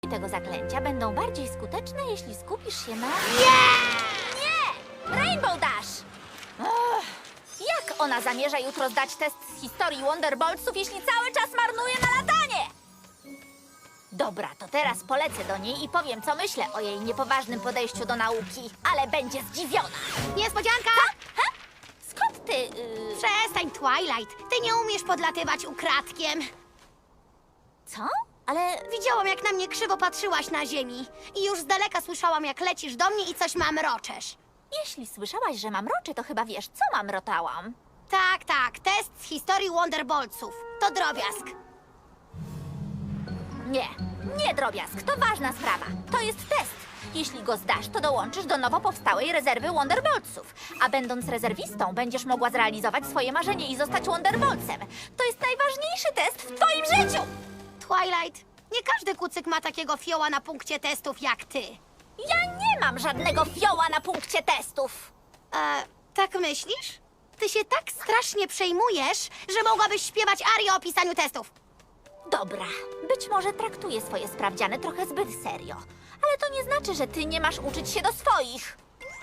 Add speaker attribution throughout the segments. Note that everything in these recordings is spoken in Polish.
Speaker 1: tego zaklęcia będą bardziej skuteczne, jeśli skupisz się na... Nie! Rainbow Dash! Jak ona zamierza jutro zdać test z historii Wonderboltsów, jeśli cały czas marnuje na latanie? Dobra, to teraz polecę do niej i powiem, co myślę o jej niepoważnym podejściu do nauki, ale będzie zdziwiona.
Speaker 2: Niespodzianka!
Speaker 1: Skąd ty...
Speaker 2: Przestań, Twilight. Ty nie umiesz podlatywać ukradkiem.
Speaker 1: Co? Ale...
Speaker 2: Widziałam, jak na mnie krzywo patrzyłaś na ziemi. I już z daleka słyszałam, jak lecisz do mnie i coś mamroczesz.
Speaker 1: Jeśli słyszałaś, że mamroczę, to chyba wiesz, co mamrotałam.
Speaker 2: Tak, test z historii Wonderboltsów. To drobiazg.
Speaker 1: Nie, drobiazg, to ważna sprawa. To jest test. Jeśli go zdasz, to dołączysz do nowo powstałej rezerwy Wonderboltsów. A będąc rezerwistą, będziesz mogła zrealizować swoje marzenie i zostać Wonderboltsem. To jest najważniejszy test w twoim życiu!
Speaker 2: Twilight, nie każdy kucyk ma takiego fioła na punkcie testów jak ty.
Speaker 1: Ja nie mam żadnego fioła na punkcie testów.
Speaker 2: Tak myślisz? Ty się tak strasznie przejmujesz, że mogłabyś śpiewać arię o pisaniu testów.
Speaker 1: Dobra, być może traktuję swoje sprawdziany trochę zbyt serio. Ale to nie znaczy, że ty nie masz uczyć się do swoich.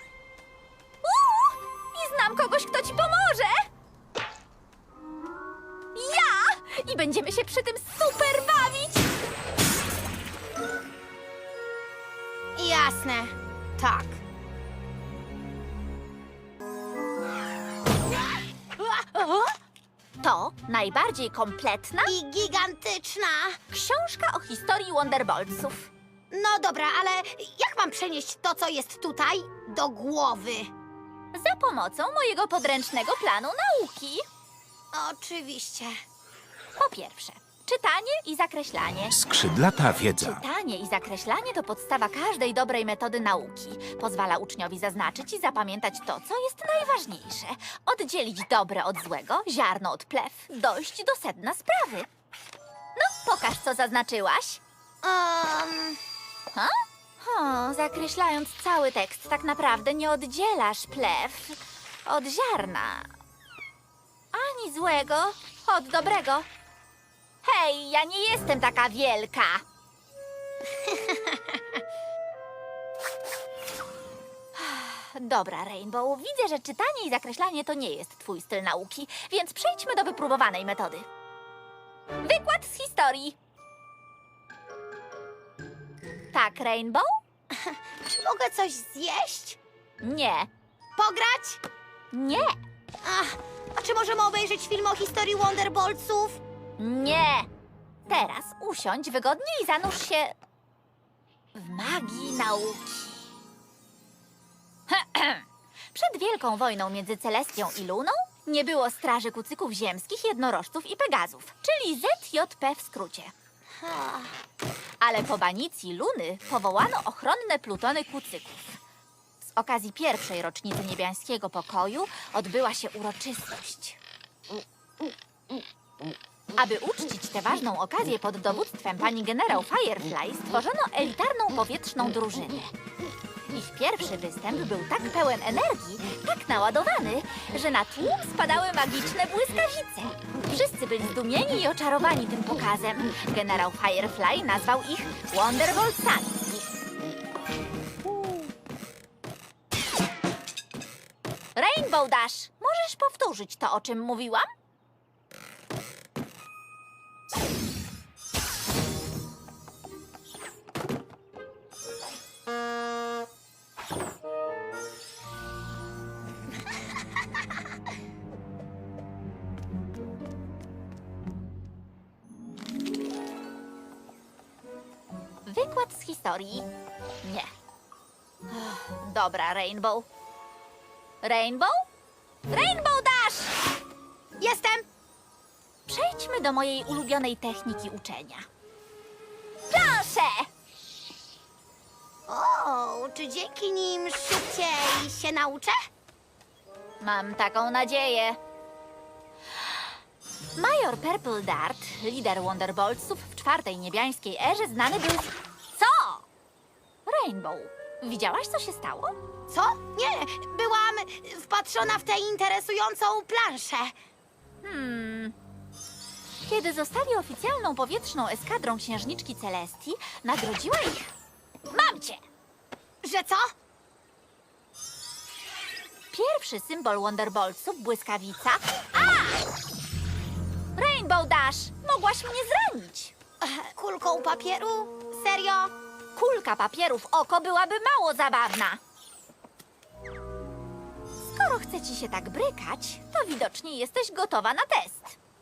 Speaker 1: I znam kogoś, kto ci pomoże! Ja! I będziemy się przy tym super bawić!
Speaker 2: Jasne, tak.
Speaker 1: To najbardziej kompletna
Speaker 2: I gigantyczna.
Speaker 1: książka o historii Wonderboltsów.
Speaker 2: No dobra, ale jak mam przenieść to, co jest tutaj, do głowy?
Speaker 1: Za pomocą mojego podręcznego planu nauki.
Speaker 2: Oczywiście.
Speaker 1: Po pierwsze, czytanie i zakreślanie.
Speaker 3: Skrzydlata wiedza.
Speaker 1: Czytanie i zakreślanie to podstawa każdej dobrej metody nauki. Pozwala uczniowi zaznaczyć i zapamiętać to, co jest najważniejsze. Oddzielić dobre od złego, ziarno od plew, dojść do sedna sprawy. No, pokaż, co zaznaczyłaś. Ha? Zakreślając cały tekst, tak naprawdę nie oddzielasz plew od ziarna. Ani złego od dobrego. Hej, ja nie jestem taka wielka. Dobra, Rainbow, widzę, że czytanie i zakreślanie to nie jest twój styl nauki, więc przejdźmy do wypróbowanej metody. Wykład z historii. Tak, Rainbow?
Speaker 2: Czy mogę coś zjeść?
Speaker 1: Nie.
Speaker 2: Pograć?
Speaker 1: Nie.
Speaker 2: A czy możemy obejrzeć film o historii Wonderboltsów?
Speaker 1: Nie. Teraz usiądź wygodnie i zanurz się w magii nauki. Przed Wielką Wojną między Celestią i Luną nie było straży kucyków ziemskich, jednorożców i pegazów, czyli ZJP w skrócie. Ale po banicji Luny powołano ochronne plutony kucyków. Z okazji pierwszej rocznicy niebiańskiego pokoju odbyła się uroczystość. Aby uczcić tę ważną okazję pod dowództwem pani generał Firefly, stworzono elitarną powietrzną drużynę. Ich pierwszy występ był tak pełen energii, tak naładowany, że na tłum spadały magiczne błyskawice. Wszyscy byli zdumieni i oczarowani tym pokazem. Generał Firefly nazwał ich Wonderboltsami. Rainbow Dash, możesz powtórzyć to, o czym mówiłam? Wykład z historii. Nie. Dobra, Rainbow. Rainbow? Rainbow Dash!
Speaker 2: Jestem!
Speaker 1: Przejdźmy do mojej ulubionej techniki uczenia. Plansze!
Speaker 2: O, czy dzięki nim szybciej się nauczę?
Speaker 1: Mam taką nadzieję. Major Purple Dart, lider Wonderboltsów w czwartej niebiańskiej erze, znany był z... Co? Rainbow, widziałaś, co się stało?
Speaker 2: Co? Nie, byłam wpatrzona w tę interesującą planszę.
Speaker 1: Kiedy zostali oficjalną powietrzną eskadrą księżniczki Celestii, nagrodziła ich... Mam cię!
Speaker 2: Że co?
Speaker 1: Pierwszy symbol Wonderboltsów, błyskawica... A! Rainbow Dash! Mogłaś mnie zranić!
Speaker 2: Kulką papieru? Serio?
Speaker 1: Kulka papieru w oko byłaby mało zabawna. Skoro chce ci się tak brykać, to widocznie jesteś gotowa na test.